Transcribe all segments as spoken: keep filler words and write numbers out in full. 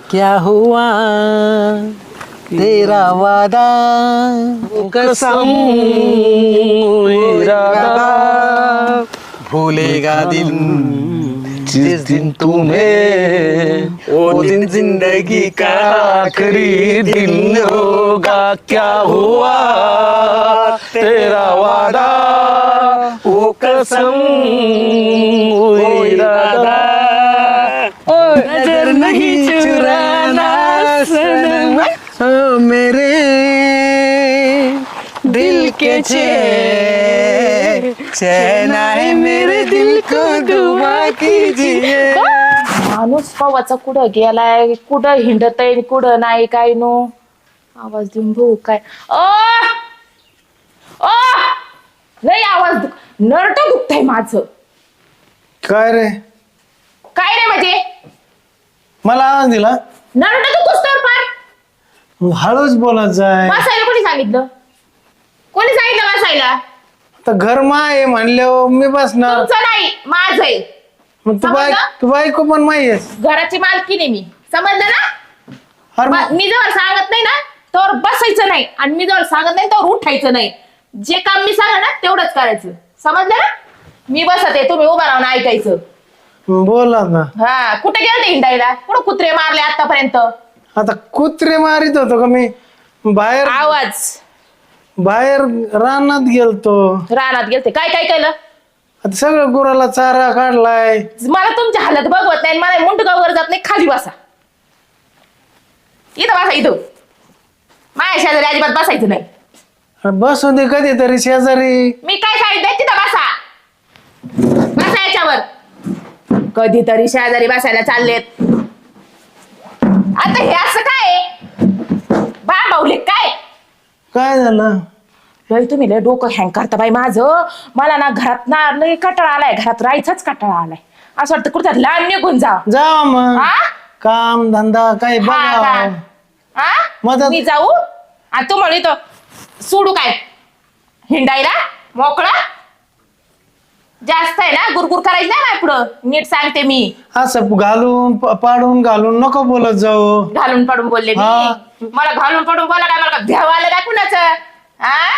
क्या हुआ तेरा वादा कसम इरादा भूलेगा दिल जिस दिन तुम्हें वो दिन जिंदगी का आखिरी दिन होगा। क्या हुआ तेरा वादा वो कसम वो इरादा नजर नहीं चुराना सनम ओ मेरे दिल के चैन चैन आए मेरे दिल को दुआ कीजिए। माणूस कवाचा कुठं गेलाय कुठं हिंडत आहे कुठं नाही काय नो आवाज देऊन भाऊ काय अ अ लय आवाज नरट दुखतंय माझं। काय रे काय रे म्हणजे मला आवाज दिला नरट दुखतोस तर पण हळूच बोलत जाय. बसायला कोणी सांगितलं कोणी सांगितलं बसायला? आता घर माय म्हणल्यावर मी बसणार. तुमचं नाही माझं आहे. मग तू बाय समजलं? तू बायको पण माहितीस घराची मालकी नाही मी समजलं ना? अरे ब- मी जवळ सांगत नाही ना तर बसायचं नाही आणि मी जवळ सांगत नाही तर उठायचं नाही. जे काम मी सांगा ना तेवढंच करायचं समजलं ना? मी बसते तुम्ही उभा राहून ऐकायचं. बोला ना. हा कुठे गेलते हिंडायला कुठं कुत्रे मारले आतापर्यंत? आता कुत्रे मारित होतो का मी बाहेर आवाज बाहेर रानात गेलतो. रानात गेलते काय काय केलं? आता सगळं गुराला चारा काढलाय. मला तुमची हालत बघवत नाही मला मुंडगावर जात नाही खाली बसा इथं बसा इथं माझ्या शेजारी अजिबात बसायचं नाही. अरे बसू दे कधीतरी शेजारी. मी काय सांगितलंय तिथं बसा बसा याच्यावर. कधीतरी शेजारी बसायला चाललेत. आता हे असं काय बावले काय काय झालं? लय तुम्ही लय डोकं हँग करता बाई माझं. मला ना घरात ना लय कटाळा आलाय घरात राहायचाच कटाळा आलाय. असं वाटतं कुठं लांब निघून जा. जा मग हा? काम धंदा काही हा बघा. का? हा? मदत- मी जाऊ आणि तू म्हणे तो सोडू काय हिंडायला मोकळा जास्त आहे ना गुरगुर करायची नाही ना पुढं नीट सांगते मी. असं घालून प- पाडून घालून नको बोलत जाऊ. घालून पडून बोलले हा. मी मला घालून पडून बोला काय मला भ्याव आलं का कुणाचं? हा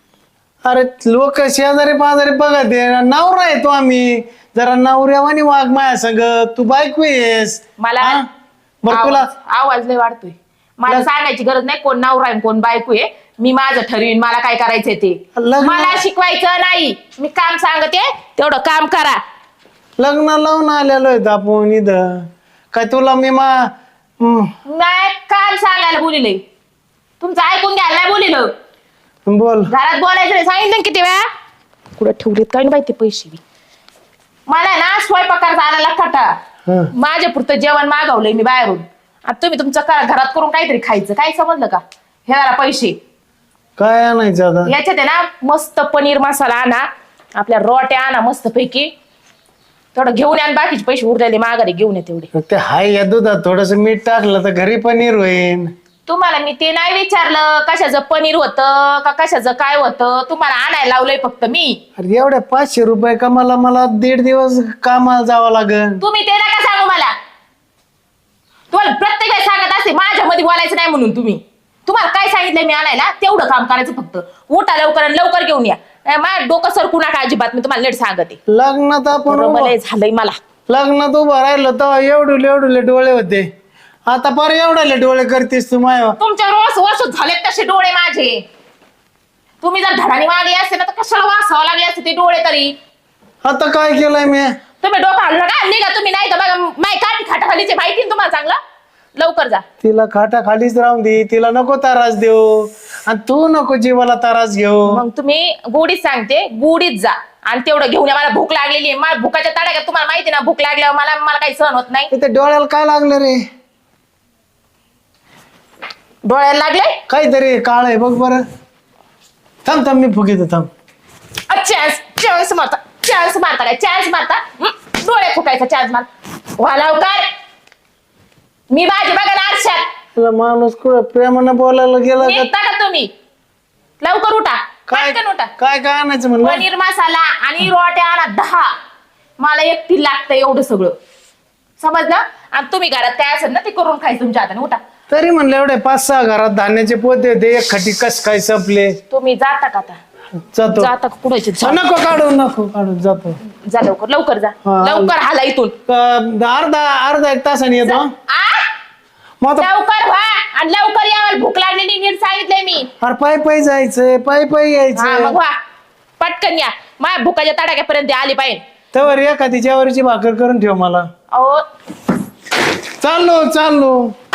अरे लोक शेजारी पाजारी बघत आहे नवरा येतो आम्ही जरा नवऱ्यावानी वाघ माया संग तू बायको येस. मला हा? बरं तुला आवाज आवाज लय वाढतोय. मला लग- सांगायची गरज नाही कोण नवरा आहे कोण बायको आहे. मी माझं ठरवीन मला काय करायचंय ते. लग्न- मला शिकवायचं नाही. मी काम सांगते तेवढं काम करा. लग्न लावून आलेलो आहेत आपण इथं काय तुला मी मा हम्म, नाही काम सांगायला बोलिले तुमचं ऐकून घ्यायला नाही बोलिलं. बोल. घरात बोलायचं नाही सांगितलं ना किती वेळा. कुठं ठेवलेत काय नाही माहिती पैसे बी. मला ना स्वयंपाकाचा आणायला कटाळा. हं. माझ्या पुरतं जेवण मागवलंय मी बाहेरून आता तुम्ही तुमचं करा घरात करून काहीतरी खायचं काय समजलं का? हे जरा पैसे काय आणायचं आता? याच्यात आहे ना मस्त पनीर मसाला आणा आपल्या रोट्या आणा मस्त पैकी थोडं घेऊन या आणि बाकीचे पैसे उरलेले माघारी घेऊन या तेवढे. ते हाय या दुधात थोडस मीठ टाकलं तर घरी पनीर होईल. तुम्हाला मी ते नाही विचारलं कशाचं पनीर होतं का कशाचं काय होतं. तुम्हाला आणायला लावलंय फक्त मी. अरे एवढ्या पाचशे रुपये कमाला मला दीड दिवस कामाला जावं लागेल. तुम्ही ते नका सांगू मला. तुम्हाला प्रत्येक वेळेस सांगत असते माझ्यामध्ये बोलायचं नाही म्हणून. तुम्ही तुम्हाला काय सांगितलंय मी आणायला तेवढं काम करायचं फक्त. उठा लवकर आणि लवकर घेऊन या. माझं डोकं सरकू नका अजिबात. मी तुम्हाला नीट सांगते. लग्नात आपण बरोबर आहे, झालंय मला. लग्नात उभं राहिलं तर एवढे एवढे डोळे होते आता पर एवढे डोळे करतेस तू माय. तुमच्या रोज वर्ष झालेत तसे डोळे माझे. तुम्ही जर धडानी मागली असते ना तर कशाला वासावं लागले असते ते डोळे तरी. आता काय केलंय मी? तुम्ही डोकं हल्लं का निघा तुम्ही नाही तर बघा माय काठी खाटाखालीचे माहिती ना तुम्हाला चांगलं. लवकर जा. तिला खाटा खालीच राहून दे. तिला नको तारास देऊ आणि तू नको जीवाला तारास घेऊ. मग तुम्ही गोडीत सांगते गोडीत जा आणि तेवढं घेऊन या. मला भूक लागलेली आहे. मला भुकाच्या तड्या का तुम्हाला माहिती ना भूक लागल्यावर मला मला काही सहन होत नाही. ते डोळ्याला काय लागलं रे? डोळ्याला लागले काहीतरी काळ आहे बघ बरं. थांब थांब मी फुकीतो थांब. चान्स चान्स मारता चान्स मारता काय चान्स मारता हं? डोळे फुकायचा चान्स मार वा लवकर. मी बाजी बघा ना आरशात. तुला माणूस कुठं प्रेमानं बोलायला गेला का? निघता का तुम्ही? लवकर उठा काय पटकन उठा. काय काय आणायचं म्हणलं? पनीर मसाला आणि रोट्या आणा दहा. मला एकटी लागतं एवढं सगळं. समजलं? आणि तुम्ही घरात काय असेल ना ते करून खायचं तुमच्या हाताने. उठा. तरी म्हणलं एवढे पाच सहा घरात धान्याचे पोते होते, एक खटी कस काय संपले. तुम्ही जाता का आता? जातो. जाता का पुढे? नको काढू नको काढू जातो. जा लवकर लवकर जा. हा. लवकर हाला इथून. क- अर्धा अर्धा एक तासाने येतो हं? आ? मग आता लवकर व्हा आणि लवकर या. मला भूक लागलेली नीट सांगितलंय मी. अरे पायी पायी जायचंय, पायी पायी हा यायचं. मग व्हा पटकन या. माझ्या भुकाच्या तडाख्यापर्यंत आली पाहिजे. तर एखादी ज्वारीची भाकर करून ठेव मला. अहो चाललो चाललो.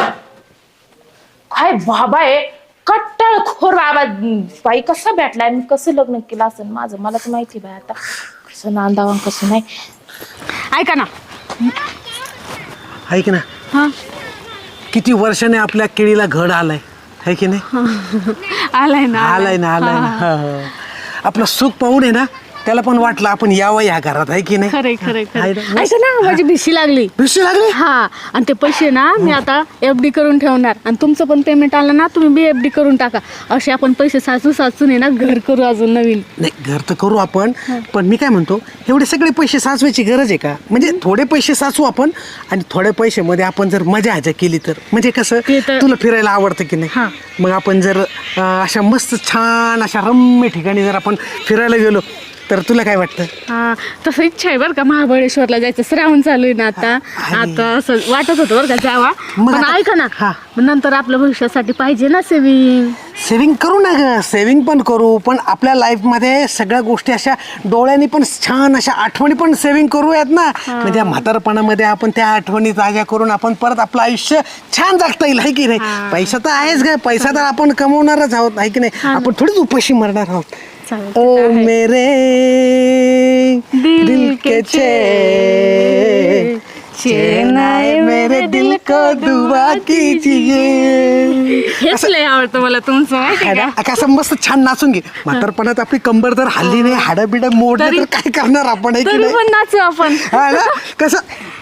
काय बाबा आहे कट्टाळखोर बाबा. बाई कसा भेटलाय, मी कसं लग्न केलं असेल माझं मला तर माहिती बाई. आता कसं नांदावा कसं नाही. ऐका ना. ऐक ना, हा किती वर्षाने आपल्या केळीला घड आलाय, है की नाही? आलाय ना आलाय ना आलाय ना. हा, हा. आपलं सुख पाहून आहे ना त्याला पण वाटलं आपण यावं या घरात, आहे की नाही? खरंय खरंय आहे खरंय. ना? ऐका ना, माझी भिशी लागली. भिशी लागली? हा आणि ते पैसे ना मी आता एफ डी करून ठेवणार आणि तुमचं पण पेमेंट आलं ना तुम्ही बी एफ डी करून टाका. असे आपण पैसे साचू साचून आहे ना घर करू अजून नवीन. नाही घर तर करू आपण, पण मी काय म्हणतो एवढे सगळे पैसे साचवायची गरज आहे का? म्हणजे थोडे पैसे साचवू आपण आणि थोड्या पैशामध्ये आपण जर मजा आजा केली तर म्हणजे कसं, ते तर- तुला फिरायला आवडतं की नाही? हा. मग आपण जर अं, अशा मस्त छान अशा रम्य ठिकाणी जर आपण फिरायला गेलो तर तुला काय वाटतं? हा तसं इच्छा आहे बरं का महाबळेश्वरला जायचं. श्रावण चालू आहे ना आता. आहे. आता असं वाटत होतं बरं का जावा. मग पण आता- ऐका ना, हा. मग नंतर आपल्या भविष्यासाठी पाहिजे ना सेविंग. सेव्हिंग करू ना ग, सेव्हिंग पण करू, पण आपल्या लाईफमध्ये सगळ्या गोष्टी अशा डोळ्यांनी पण छान अशा आठवणी पण सेव्हिंग करूयात ना. म्हणजे या म्हातारपणामध्ये आपण त्या आठवणी ताज्या करून आपण परत आपलं आयुष्य छान जगता येईल, आहे की नाही? पैसा तर आहेच ग, पैसा तर आपण कमवणारच आहोत, आहे की नाही? आपण थोडीच उपाशी मरणार आहोत. चालेल, ओ ते तर आहे. मेरे दिल दिल के के चैन, चैन आए मेरे दिल को दुआ कीजिए. हेच लय आवडतं मला तुमचं माहिती आहे का. कसं मस्त छान नाचून घे. म्हातारपणात आपली कंबर जर हल्ली नाही, हाडं बिडं मोडले तरी- तर काय करणार आपण, आहे की तरी नाही? पण नाचू आपण. हा ना? कसं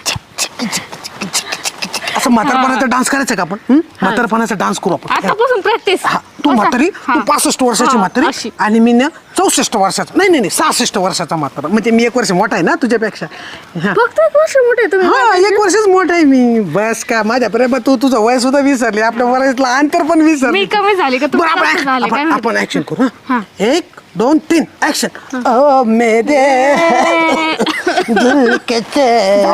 असं म्हातारपणाचा डान्स करायचा का आपण? हं? म्हातारपणाचा डान्स करू आपण. आतापासून प्रॅक्टिस. हा, तू म्हातारी, तू पासष्ट वर्षाची म्हातारी अशी. आणि मी ना चौसष्ट वर्षाचा, नाही नाही नाही सहासष्ट वर्षाचा म्हातारा. म्हणजे मी एक वर्ष मोठा आहे ना तुझ्यापेक्षा. हा. फक्त एक वर्ष मोठे तुम्ही. हा एक वर्षच मोठा आहे मी. बस का माझ्या प्रेमात तू तुझं वय सुद्धा विसरली, आपल्या वयातलं अंतर पण विसरली. मी कमी झाली का तुम्ही बरं, जास्त आपण झाले काय आपण- माहिती? आपण ऍक्शन करू. हा. हा एक दोन तीन ऍक्शन. ओ मेरे दिल के चैन.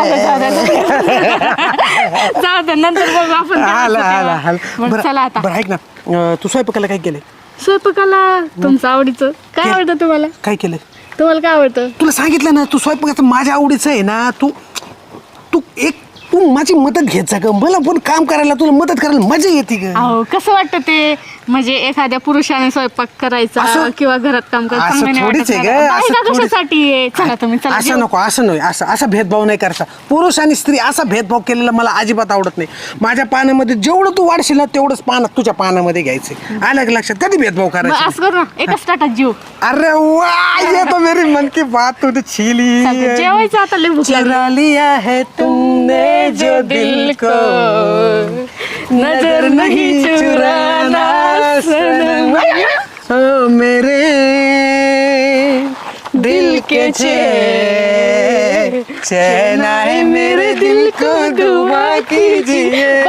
जाऊ दे नंतर बघू आपण. आला आला आला. मग बरं चला आता बरं ऐक ना, अं, तू स्वयंपाकाला काय केलंय? स्वयंपाकाला तुमचं आवडीचं काय केलं. आवडतं तुम्हाला? काय केलंय? तुम्हाला काय आवडतं? तुला सांगितलं ना, तू स्वयंपाकाचं माझ्या आवडीचं आहे ना. तू तू एक तू माझी मदत घेत जा ग. मला पण काम करायला, तुला मदत करायला मजा येते ग. अहो कसं वाटतं ते म्हणजे एखाद्या पुरुषाने स्वयंपाक करायचा असं- किंवा घरात काम असं करायचं चांगलं नाही थोडीच वाटत आहे का? ग, बायका असं थोडीच- कशासाठी आहे? चला तुम्ही चला असं जेवू. नको, असं नाही, असं असा भेदभाव नाही करायचा. पुरुष आणि स्त्री असा भेदभाव केलेला मला अजिबात आवडत नाही. माझ्या पानामध्ये जेवढं तू वाढशील ना तेवढंच पान तुझ्या पानामध्ये घ्यायचं. आलं का लक्षात? कधी भेदभाव मग करायचा? असं करू ना एकाच ताटात जीव. अरे वाह, ये तो मेरी मन की बात तूने छीली. चालतंय, जेवायचं आता लय भूक लागली. चुरा लिया है तुमने जो दिल को, नजर नहीं चुराना सनम. ओ मेरे दिल के चैन, चैन आए मेरे दिल को दुआ कीजिए.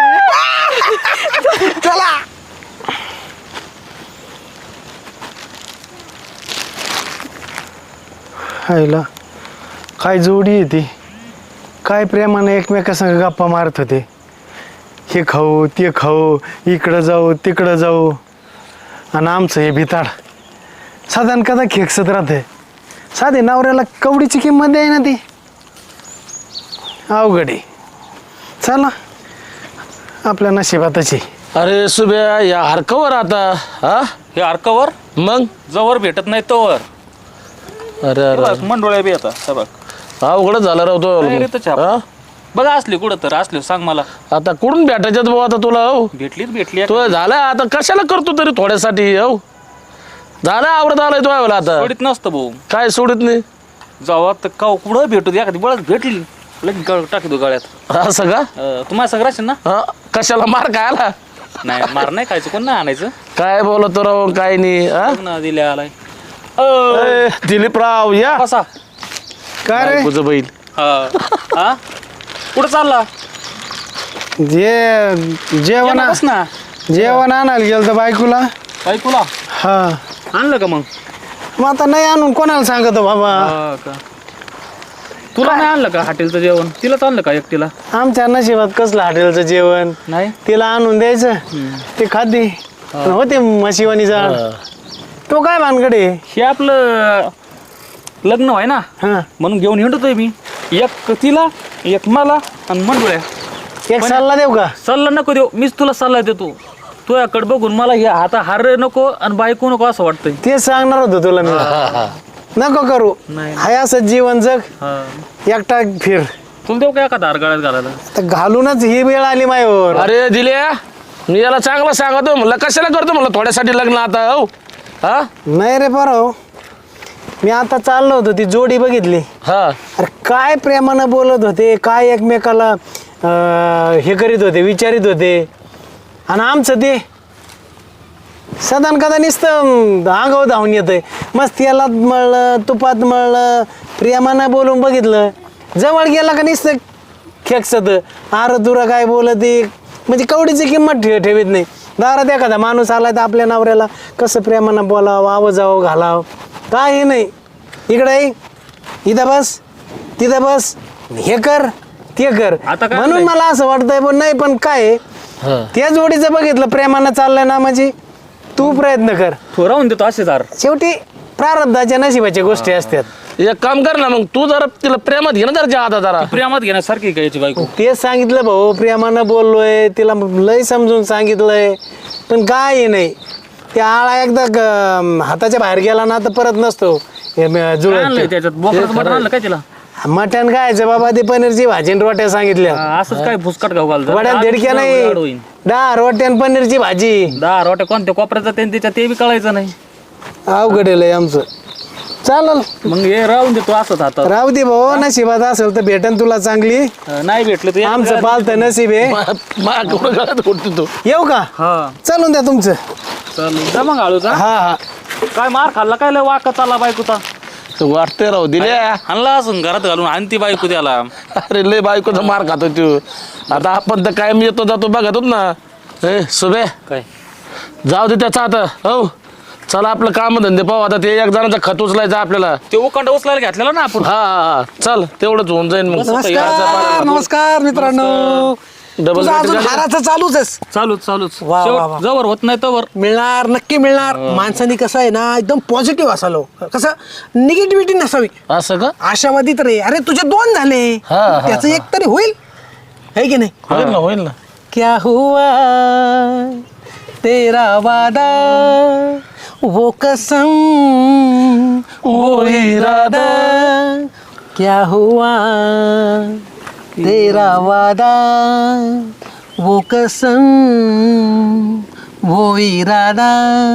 चला. हायला काय जोडी आहे ती. काय प्रेमाने एकमेकासंग गप्पा मारत होते. हे खाऊ ते खाऊ, इकडं जाऊ तिकडं जाऊ, आणि आमचं हे भिताड साधारण कदा खेकसत राहते. साधे नवऱ्याला कवडीची किंमत आहे ना ती. अवघडी. चला आपल्या नशिबातची. अरे सुब्या या हरकवर आता हा हे अर्कावर मग जवळ भेटत नाही तोवर अरे अरे मंडोळ्या बी आता हे बघ. अवघडच झाला राहतो काय रे त्याच्या हातात? बघा असली कुठं तर असले सांग मला. आता कुठून भेटायच्यात भाऊ आता तुला हो भेटलीच भेटली तो झाला आता कशाला करतो तरी थोड्यासाठी हो झाला आवडत आलाय तो यावेळेला आता सोडित नसतं भाऊ. काय सोडित नाही जावा तर का कुठं भेटू दे एखादी बळच भेटली लगेच गळ टाकी दो गळ्यात. असं का अं, तुम्हाला सगळं असेल ना. हा कशाला मार काय आला नाही मार नाही खायचं कोण नाही आणायचं. काय बोलतो राव काय नाही हा? बघ ना दिल्या आलाय ए, दिलीपराव या कसा काय रे तुझं बैल हा हा कुठं चालला जे जेवण बस ना जेवण आणायला गेलं तर बायकोला. काय तुला हा आणलं का मग मग आता नाही आणून कोणाला सांगतो बाबा. हा का तुला नाही आणलं का हॉटेलचं जेवण तिलाच आणलं का एकटीला आमच्या नशिबात कसलं हॉटेलचं जेवण. नाही तिला आणून द्यायचं ते खाते होते म्हशीवानी जाळ. तो काय भानगडे. हे आपलं लग्न व्हाय ना हा म्हणून घेऊन हिंडतोय मी एक तिला एक मला आणि मंडुळ्या एक सल्ला देऊ का. सल्ला नको देऊ मीच तुला सल्ला देतो तुझ्याकडे बघून मला हे आता हार नको आणि बायको नको असं वाटतंय तेच सांगणार होतो तुला मी. नको करू नाही. हाय असं जीवन जग. हा एकटा फिर. तुला देऊ का एखादा हार गळ्यात घालायला तर घालूनच ही वेळ आली मायावर. अरे दिल्या मी याला चांगलं सांगतो म्हणलं कशाला करतो म्हणलं थोड्यासाठी लग्न आता हो हा नाही रे बरं मी आता चाललो होतो ती जोडी बघितली. हा अरे काय प्रेमानं बोलत होते काय एकमेकाला अं, हे करीत होते विचारित होते. आणि आमचं ते सदान कदा नुसतं अंगावर धावून येतंय. मस्त तेलात मळलं तुपात मळलं प्रेमानं बोलून बघितलं. जवळ गेला का नुसतं खेकसत आर तुरा काय बोलत म्हणजे कवडीची किंमत ठे ठेवीत नाही. दारात एखादा माणूस आला तर आपल्या नवऱ्याला कसं प्रेमानं बोलावं आव जावं घालावं काही नाही. इकडे ये, इथं बस तिथं बस हे कर ते कर. आता काय म्हणून नाही. मला असं वाटतंय पण नाही पण काय आहे, त्या जोडीचं बघितलं प्रेमानं चाललंय ना म्हणजे तू प्रयत्न कर. तो राहून देतो असेच हार शेवटी प्रारब्धाच्या नशिबाच्या गोष्टी असतात. एक काम कर ना मग तू जरा तिला प्रेमात घे ना जरा आता जरा प्रेमात घेण्यासारखी काय याची बायको तेच सांगितलं भाऊ प्रेमानं बोललोय तिला लय समजून सांगितलंय पण काय नाही. त्या आळा एकदा ग- हाताच्या बाहेर गेला ना तर परत नसतो हे म- काय आणलंय जुळत. त्याच्यात बोकडाचं मटण आणलं काय तिला मटण खायचं बाबा ते पनीरची भाजी आणि रोट्या सांगितल्या. हा, असंच काय फुसकट घाऊ घालतं वड्या आज दिडक्या तुझा नाही लाड होईन. दहा रोट्या आणि पनीरची भाजी. दहा रोट्या कोणत्या कोपऱ्याचा त्यांनी त्याच्या ते बी कळायचं नाही अवघड आहे लय आमचं. चालल मग हे राहून देतो असंच हातात राहू दे भाऊ नशिबात असेल तर भेटन तुला चांगली. अं, नाही भेटलं तर आमचं पालतं नशीब आहे. माझ्याकडून गळ्यात उडतो तू येऊ का हा चालून द्या तुमचं. चालेल जा मग आळूचा हा हा काय मार खाल्ला काय लय वाका चालला बायकोचा वाटते राहू दिल्या आणला असून घरात घालून आणती बायको त्याला अरे लय बायकोचा मार खातो तू. आता आपण तर कायम येतो जातो बघतो ना. ए सुबे काय जाऊ दे त्याचा आता हो चला आपलं काम धंदे पाहू आता ते एक जणांचा खत उचलायचा आपल्याला. ते उकांड उचलायला घेतलेला ना आपण हा हा हा. चल तेवढंच होऊन जाईल मग नमस्कार नमस्कार मित्रांनो. डबल तुझं अजून हाराचं चालूच आहेस. चालूच चालूच वा, वा, वा. शेवट जवळ होत नाही तवर मिळणार नक्की मिळणार. माणसाने कसं आहे ना एकदम पॉझिटिव्ह असालो कसं निगेटिव्हिटी नसावी. असं का आशावादी तर आहे. अरे तुझे दोन झाले हा, हा, त्याचं एक तरी होईल है की नाही. होईल ना होईल ना. क्या हुआ तेरा वादा वो कसम वो इरादा क्या हुआ तेरा वादा वो कसम वो इरादा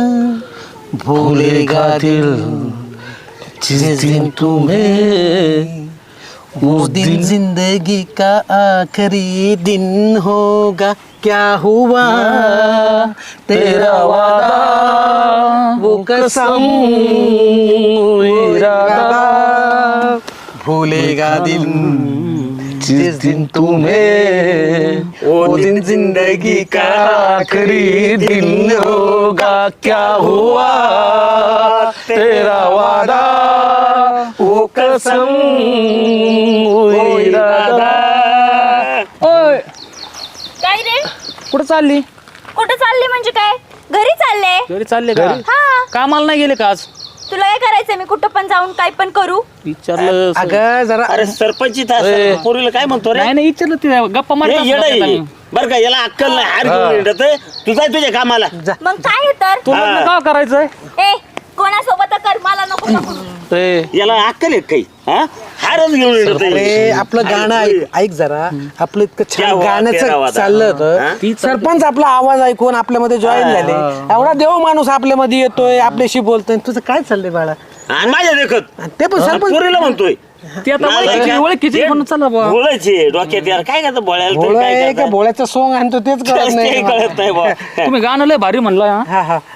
भूलेगा दिल जिस दिन तुम्हें वो दिन जिंदगी का आखिरी दिन होगा. क्या हुआ तेरा वादा वो कसम वो इरादा भूलेगा दिल जिस दिन तुम्हें वो दिन जिंदगी का आखिरी दिन होगा. क्या हुआ तेरा वादा वो कसम वो इरादा. ओय काय रे कुठं चालली कुठं चालले म्हणजे काय घरी चालले घरी चालले का हा कामाला नाही गेले का आज तुला काय करायचंय मी कुठं पण जाऊन काय पण करू विचारलं अगं जरा अरे सरपंच पोरीला काय म्हणतो रे नाही नाही विचारलं ते गप्पा हे येडं आहे. मारत बरं का याला अक्कल नाही हार घेऊन येत तू जाय तुझ्या कामाला मग काय आहे तर तू लग्न का करायचंय ए कोणासोबत कर मला नको नको ए याला अक्कल आहे काही हा हारच घेऊन येत अरे आपलं गाणं ऐक ऐक जरा आपलं इतकं क्या छान हुआ तेरा गाण्याचं वादा. चाललं हा? होतं. सरपंच आपला आवाज ऐकून आपल्यामध्ये जॉईन झाले. एवढा देव माणूस आपल्यामध्ये येतोय आपल्याशी बोलतोय. तुझं काय चाललंय बाळा. आणि माझ्या देखत ते पण सरपंच पोरीला म्हणतोय ते आता ओळखीची ओळखीची म्हणून चला बुवा. बोलायचे डोक्यात यार काय करतं बोलायला तरी भोळा काय आहे का करतं? भोळ्याचं सोंग आणतो तेच कळत ते नाही. कळत नाही बुवा. तुम्ही गाणं लय भारी म्हणलं हा हा हा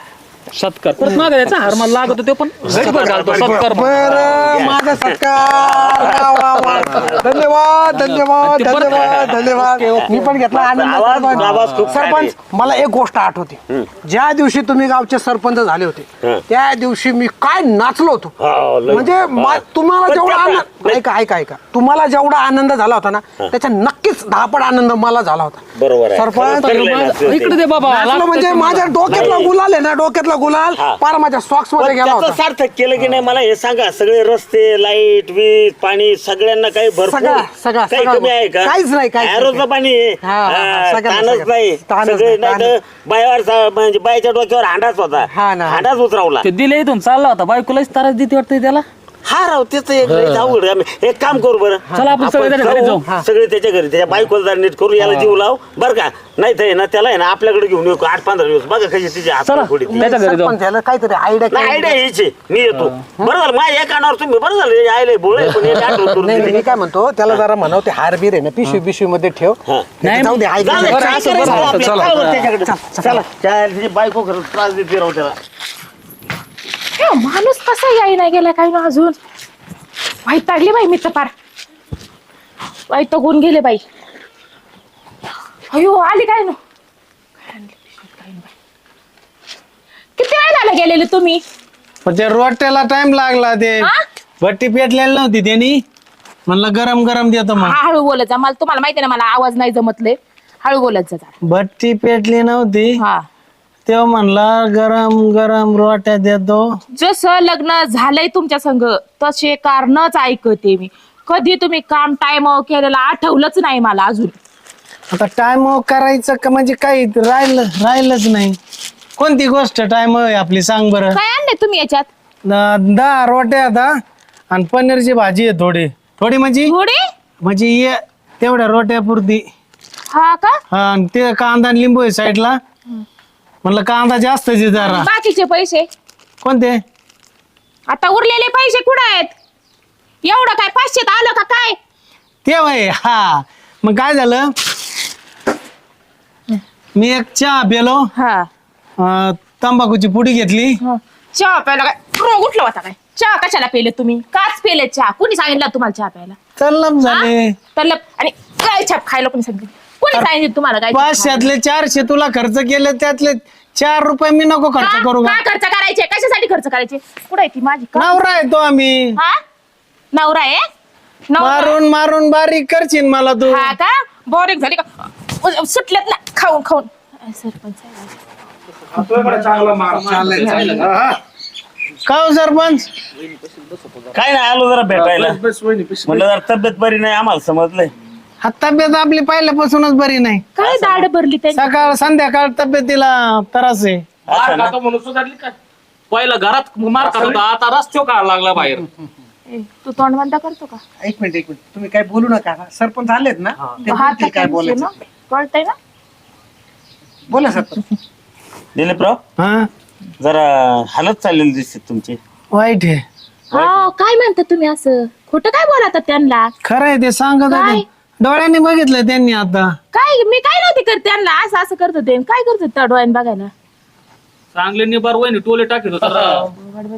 सत्कार परत मागे द्यायचा हार मला लागतो तो पण गटभर घालतो सत्कार बर माझा सत्कार वा, वा, वा. धन्यवाद धन्यवाद ते परत- धन्यवाद धन्यवाद मी पण घेतला आवाज- आनंद आवाज खूप छान आहे. सरपंच मला एक गोष्ट आठवते ज्या दिवशी तुम्ही गावचे सरपंच झाले होते त्या दिवशी मी काय नाचलो होतो हो, लय. म्हणजे मा- तुम्हाला पण जेवढा त्या- आनंद ऐका ऐका ऐका तुम्हाला जेवढा आनंद झाला होता ना त्याच्या नक्कीच दहापट आनंद मला झाला होता बरोबर आहे. सरपंच खरंच चांगलं आहे नाचलं ते. इकडे दे बाबा नाचलो लागतंय म्हणजे तुम्हाला. माझ्या डोक्यातला गुलाल आहे ना डोक्यातला गुलाल हा. पार माझ्या सॉक्स मध्ये पण गेला त्याचं होता सार्थक केलं की नाही मला हे सांगा सगळे रस्ते लाईट वीज पाणी सगळ्यांना काही भरपूर सगळं, सगळं, काही सगळं. कमी आहे का काहीच नाही, काहीच नाही. ॲरोचं पाणी आहे. हा, हा, हा, हा, सगळं, ताणच सगळं. नाही ताणच सगळे नाही, नाही तर बायावर सा- म्हणजे बायच्या डोक्यावर हांडाच होता हा ना, हा. हांडाच उतरवला ते दिले इथून चालला होता बायकोलाच ताराच देते वाटतं त्याला हा राव त्याच एक लयच अवघड आहे. आम्ही एक काम करू बरं चला आपण सगळे त्याच्या घरी जाऊ. जाऊ. सगळे त्याच्या घरी त्याच्या बायकोला जरा नीट करू याला जीव लाव बरं का नाही तर आहे ना त्याला आहे ना आपल्याकडे घेऊन येऊ आठ पंधरा दिवस बघा कशी तिची हात चला. फोडी त्याच्या घरी जाऊ. सरपंच याला काहीतरी आयडिया नाही आयडिया यायची मी येतो बरं झालं माझ्या या कानावर तुम्ही बरं झालं हे आयले बोळे पण एक आठवण करून नाही नाही, दिली. मी काय म्हणतो त्याला जरा म्हणाव ते हार बीर आहे ना पिशवी पिशवी मध्ये ठेव हा. नाही जाऊ दे जाऊ दे, ऐक काय असं करायचं बरं, आपल्याला? चला. काय होतं त्याच्याकडे? चला त्या तिची बायको खरंच त्रास देते राव त्याला हे माणूस कसा याय नाही गेला काय ना अजून वैतागली बाई मी तर पार वैतागून गेले बाई अयो आली काय ना किती वेळ झाला गेलेले तुम्ही पण त्या रोट्याला टाइम लागला ते हा? भट्टी पेटलेली नव्हती त्यांनी म्हणलं गरम गरम देतो मग हा, हळू बोलत जा मला तुम्हाला माहिती ना मला आवाज नाही जमतले हळू बोलत जा जरा. भट्टी पेटली नव्हती हा तेव्हा म्हणला गरम गरम रोट्या देतो जसं लग्न झालंय तुमच्या संग तसे कारणच ऐकते मी कधी तुम्ही काम टाइम केलेलं आठवलंच नाही मला अजून आता टाइम करायचं का म्हणजे काही राहिलं राहिलंच नाही कोणती गोष्ट टाइम आहे आपली सांग बरं काय आणले तुम्ही याच्यात द- दहा रोट्या आता आणि पनीरची भाजी आहे थोडी थोडी म्हणजे थोडी म्हणजे ये तेवढ्या रोट्या पुरती हा का हा आणि ते कांदा आणि लिंबू आहे साईडला म्हणलं कांदा जास्त आहे जरा बाकीचे पैसे कोणते आता उरलेले पैसे कुठे आहेत एवढं काय पाचशेत आलं का काय ते वय हा मग काय झालं मी एक चहा पेलो हा अं, तंबाखूची पुडी घेतली चहा प्यायला काय रोग उठला होता काय चहा कशाला पेले तुम्ही काच पेले चहा कुणी सांगितलं तुम्हाला चहा प्यायला चल्लम झाले हा? तर लप- आणि काय छाप खायला कोणी सांगितलं कोणी सांगितलं तुम्हाला काय पाचशेतले चारशे तुला खर्च केले त्यातले चार रुपये मी नको खर्च करू का काय खर्च करायचे कशासाठी खर्च करायचे कुठे आहे ती माझी का? नवरा आहे तो आम्ही हा नवरा आहे नवरा मारून मारून बारीक करशील मला तू हा का बोरिंग झाली का सुटलेत ना खाऊन खाऊन सरपंच का हो सरपंच काय नाही आलो जरा भेटायला म्हणलं जरा तब्येत बरी नाही आम्हाला समजलंय हा तब्येत आपली पहिल्यापासूनच बरी नाही काय दाढ भरली त्यांची सकाळ संध्याकाळ तब्येतीला त्रास आहे मार खातो म्हणून सुधारली काय पहिला घरात मार खात होता आता रस्त्यावर काढायला लागला बाहेर ए, तू तोंड बंद करतो का एक मिनिट एक मिनिट तुम्ही काय बोलू नका सरपंच आलेत ना ते हात बोलतील काय बोलायचं कळतंय ना बोला सरपंच दिलीपराव हा जरा हालत चाललेली दिसते तुमची वाईट आहे हा काय म्हणता तुम्ही असं खोटं काय बोलतात त्यांना खरं आहे ते सांगत काय? होते डोळ्यांनी बघितलं त्यांनी आता काय मी काय नव्हती करत त्यांना असं असं करत होते काय करत होते त्या डोळ्यानं बघायला चांगले निबार वहिनी टोले टाकीत होता राव.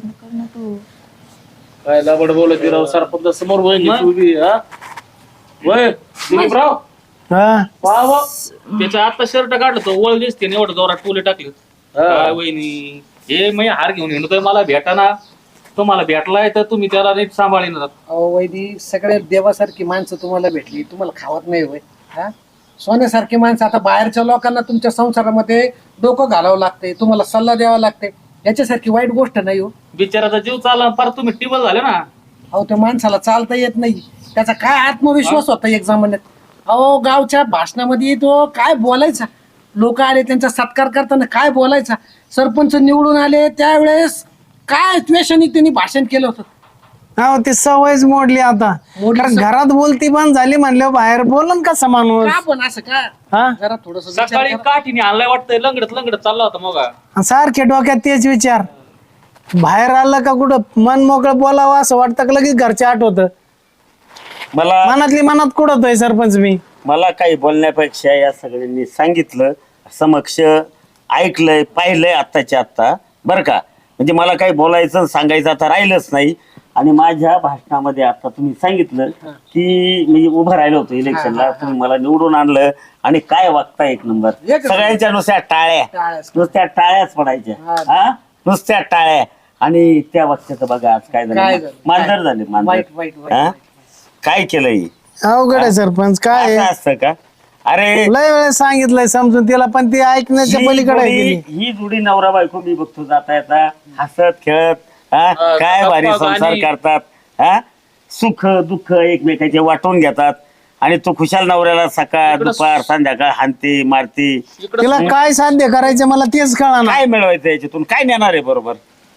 काय लबड बोलत राव सरपंच समोर वहिनी उभी हा वय दिलीपराव हा वा वा त्याचा आता शर्ट काढलं तो वळ दिसते आणि एवढं जोरात टोले टाकले काय वहिनी हे मी हार घेऊन येणं मला भेटाना तुम्हाला भेटलाय तर तुम्ही त्याला नीट सांभाळीन अहो वैदी सगळे देवासारखी माणसं तुम्हाला भेटली तुम्हाला खावत नाही होय हा सोन्यासारखी माणसं आता बाहेरच्या लोकांना तुमच्या संसारामध्ये डोकं घालावं लागते तुम्हाला सल्ला द्यावा लागते याच्यासारखी वाईट गोष्ट नाही हो बिचाराचा जीव चालला फार तुम्ही टिबल झाले ना अहो त्या माणसाला चालता येत नाही त्याचा काय आत्मविश्वास होता एक जमान्यात अहो गावच्या भाषणामध्ये तो काय बोलायचा लोक आले त्यांचा सत्कार करताना काय बोलायचा सरपंच निवडून आले त्यावेळेस काय द्वेषाने त्यांनी भाषण केलं होतं हो ती सवयच मोडली आता मोडली कारण सवय. घरात बोलती बंद झाली म्हणल्यावर बाहेर बोलन का माणूस का पण असं का हा जरा थोडस सकाळी काठीने आणलाय वाटतंय लंगडत लंगडत चालला होता मग आणि सारखे डोक्यात तेच विचार बाहेर आलं का कुठं मन मोकळं बोलावं असं वाटतं का लगेच घरचे आठवत मला मनातली मनात कुठं सरपंच मी मला काही बोलण्यापेक्षा या सगळ्यांनी सांगितलं समक्ष ऐकलंय पाहिलंय आत्ताच्या आत्ता बरं का. म्हणजे मला काही बोलायचं सांगायचं आता राहिलंच नाही. आणि माझ्या भाषणामध्ये आता तुम्ही सांगितलं की मी उभं राहिलो होतो इलेक्शनला, तुम्ही मला निवडून आणलं आणि काय वागता एक नंबर. सगळ्यांच्या नुसत्या टाळ्या, नुसत्या टाळ्याच पडायच्या. हा नुसत्या टाळ्या. आणि त्या वाक्याचं बघा आज काय झालं, मांजर झाले मांजर. हा काय केलंय, अवघड आहे सरपंच. काय आहे? असं असतं का? अरे लय वेळेस सांगितलंय समजून तिला, पण ती ऐकण्याच्या ही पलीकडे आहे जोडी- गेली. ही जोडी नवरा बायको मी बघतो जाता येता हसत खेळत, हा काय भारी संसार करतात. हा सुख दुःख एकमेकाचे वाटून घेतात. आणि तो खुशाल नवऱ्याला सकाळ दुपार संध्याकाळ हानते मारते. तिला काय साध्य करायचं मला तेच कळा ना. काय मिळवायचं याच्यातून, काय नेणार आहे बरोबर.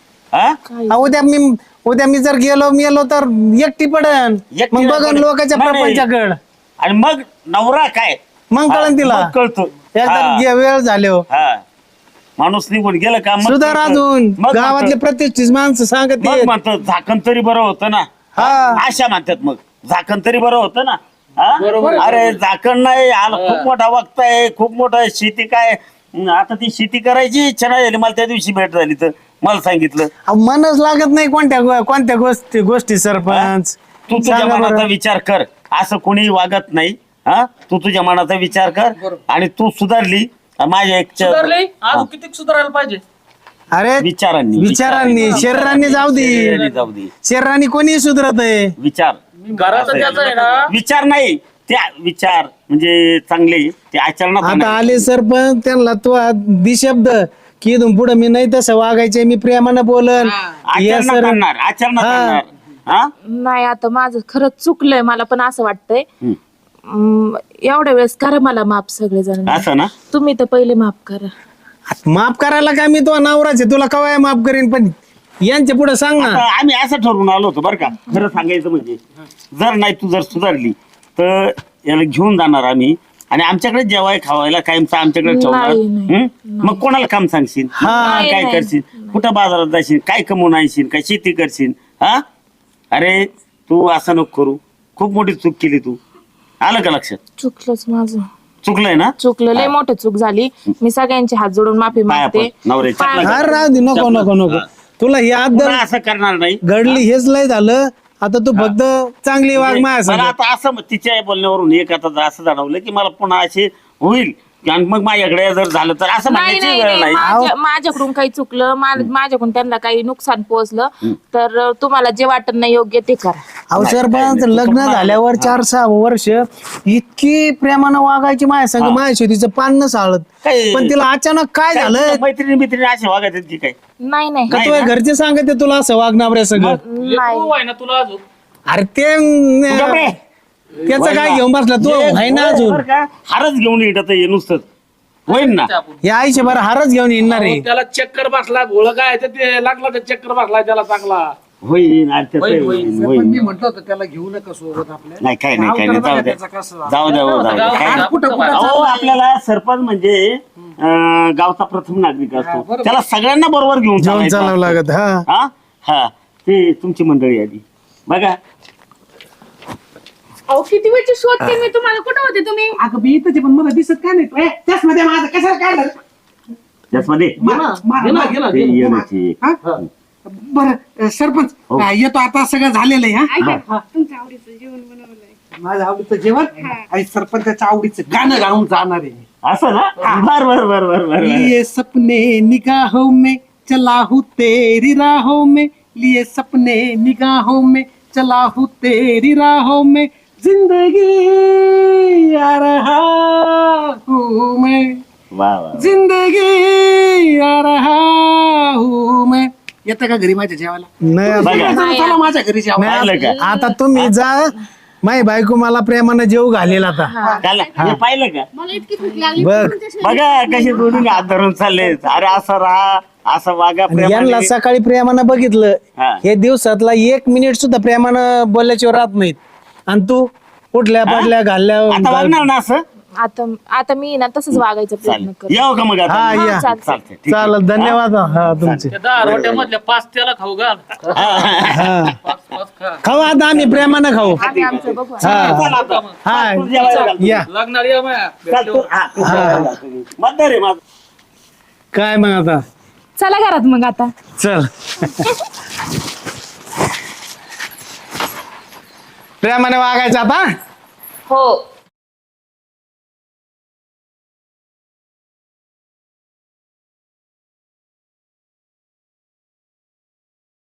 हा उद्या मी उद्या मी जर गेलो मेलो तर एकटी पडन. एकटी मग नाही बघन पडत. लोकांच्या नाही, नाही. प्रपंचाकड. आणि मग नवरा काय मग कळन तिला. मग कळतो. एकदा हा. गे- वेळ झाले हो. हा माणूस निघून गेलं का मग सुधार कळतं. अजून मग गावातले म्हणतं- प्रतिष्ठित माणसं सांगत मग आहेत. म्हणतो झाकण तरी बरं होतं ना. हा. अशा म्हणतात मग झाकण तरी बरं होतं ना. हा? अरे झाकण नाही आला, खूप मोठा वक्ताय, खूप मोठा शेती काय. हं, आता ती शेती करायची इच्छा नाही झाली मला. त्या दिवशी भेट झाली तर मला सांगितलं अहो, मनच लागत नाही कोणत्या गो- कोणत्या गोष्टी गोष्टी सरपंच. तू तुझ्या सांगा बरं. मनाचा विचार कर. असं कोणी वागत नाही. हा तू तुझ्या मनाचा विचार कर आणि तू सुधारली. माझ्या एक सुधारले अजून किती सुधारायला पाहिजे. अरे विचारांनी विचारांनी शरीरांनी जाऊ दे. शरीरांनी जाऊ दे. शरीरांनी कोणी सुधरत आहे. विचार घरात त्याचं आहे ना विचार नाही त्या विचार म्हणजे चांगले ते आचरणात आता आणायचे. आले सरपंच त्यांना तो दिशब्द की इथून पुढे मी नाही तसं वागायचे, मी प्रेमानं बोलन. या आचरणात सर आणणार आचरणात हा. आणणार. हा नाही आता माझं खरंच चुकलंय. मला पण असं वाटतंय हम्म. अं, एवढ्या वेळेस करा मला माफ सगळेजण. असं ना. तुम्ही तर पहिले माफ करा. माफ करायला काय मी तो नवराचे तुला कवाय माफ करीन, पण यांच्या पुढे सांग ना. आता आम्ही असं ठरवून आलो होतो बरं का. खरं सांगायचं म्हणजे जर नाही तू जर सुधारली तर याला घेऊन जाणार आम्ही आणि आमच्याकडे जेवाय खावायला कायमचं आमच्याकडे ठेवणार. नाही, नाही, हं? मग कोणाला काम सांगशील, नाही, काय नाही. करशील, कुठं बाजारात जाशील, काय कमवून आणशील, काय शेती करशील. हा अरे तू असं नको करू. खूप मोठी चूक केली तू. आलं का लक्षात. चुकलंच माझं. चुकलंय ना. चुकलं लय मोठं चूक झाली. मी सगळ्यांचे हात जोडून माफी पाया मागते. पड, नवऱ्याच्या. पाया- अरे राहू दे, नको नको नको. तुला ही पुन्हा आदर असं करणार नाही. घडली हेच लय झालं. आता तू फक्त चांगली वाघ माया मला सांग. आता असं तिच्या बोलण्यावरून एक आता असं जाणवलं की मला पुन्हा असे होईल आणि मग माझ्याकडे जर झालं तर असं नाही म्हणण्याची नाही वेळ नाही नाही. माझ्या- माझ्याकडून काही चुकलं मा- माझ्याकडून त्यांना काही नुकसान पोहोचलं तर तुम्हाला जे वाटत नाही योग्य ते करा. अहो सरपंच लग्न झाल्यावर चार सहा वर्ष इतकी प्रेमानं वागायची माया संग, माया शेतीचं पान न साळत. काय- पण तिला अचानक काय काय झालं तुला मैत्रिणी मैत्रिणी असे वागायचे की काय. नाही नाही का तुझ्या घरचे सांगते तुला असं वागणार सगळं. नाही तू आहे ना तुला अजून अरे ते तू गप्प रे. त्याचं काय घेऊन बसला तू ये, आहे ना बरं अजून. का? हारच घेऊन येत ये नुसतं होईल ना. या आईशी बरं हारच घेऊन येणार आहे. त्याला चक्कर बसला घोळ काय तर ते लागला तर चक्कर बसला त्याला चांगला. होईल आणि त्याचं होईल, होईल, होईल. होईल. मी म्हटलं होतं त्याला घेऊ नका सोबत आपल्या. नाही काय नाही काय नाही जाऊ द्या त्याचा कसं जाऊ द्या हो, जाऊ द्या काय नाही. कुठं कुठं अहो आपल्याला सरपंच म्हणजे अं, गावचा प्रथम नागरिक असतो. त्याला सगळ्यांना बरोबर घेऊन घेऊन चालायचं चालावं असतं. लागत. हा हा हा ते तुमची मंडळी आली बघा. अहो किती वेळची शोधते मी तुम्हाला. कुठं होते तुम्ही? अगं मी इथंच आहे, पण मला दिसत काय नाही. ए, त्याचमध्ये माझं कशाला काढलं. त्याचमध्ये मारा, मारा, मारा. ते येण्याची एक. हा? बरं सरपंच हो. हा, येतो आता सगळं झालेलं आहे. हा? ऐका, तुमच्या आवडीचं जेवण बनवलंय. माझ्या आवडीचं जेवण आणि सरपंचाच्या आवडीचं गाणं गाऊन जाणार आहे. असं ना. बर बर बर बर बर लिए सपने निगाहों में चला हूँ तेरी राहों में, लिए सपने निगाहों में चला हूँ तेरी राहों में, जिंदगी आ रहा हूँ मैं, वा वा. जिंदगी आ रहा हूँ मैं. येतं का घरी माझ्या जेवायला. नाही बघा चला चला माझ्या घरी जेवा. पाहिलं का आता तुम्ही जा. माई बायको मला प्रेमानं जेव घालेल आता. त्याला हे पाहिलं का. मला इतकी भूक लागली. बघ बघा कसे दोन्ही हात धरून चालले. अरे असं राहा असं वागा आणि यांना प्रेमाने. सकाळी प्रेमानं बघितलं. हा. हे दिवसातला एक मिनिट सुद्धा प्रेमानं बोलल्याशिवाय राहत नाहीत. आणि तू उठल्या पडल्या घालल्या आता वागणार ना असं. आता आता मी ना तसंच वागायचा प्रयत्न चालेल कर. येऊ का मग आता. हा या चालतंय. चालतंय ठीक आहे. चालत धन्यवाद हा तुमचे. त्या दहा रोट्या मधल्या पाच त्याला खाऊ घाल. हा पाच पाच खा. खाऊ आता आम्ही प्रेमानं खाऊ. आम्ही आमचं बघू. हा चला आता. हा तू जेवायला घाल. या लागणार या माया. चाल तू. हा, तू जेवायला घाल. मतदार आहे माझा. काय मग आता चला घरात मग आता. चल प्रेमाने वागायचं आता. हो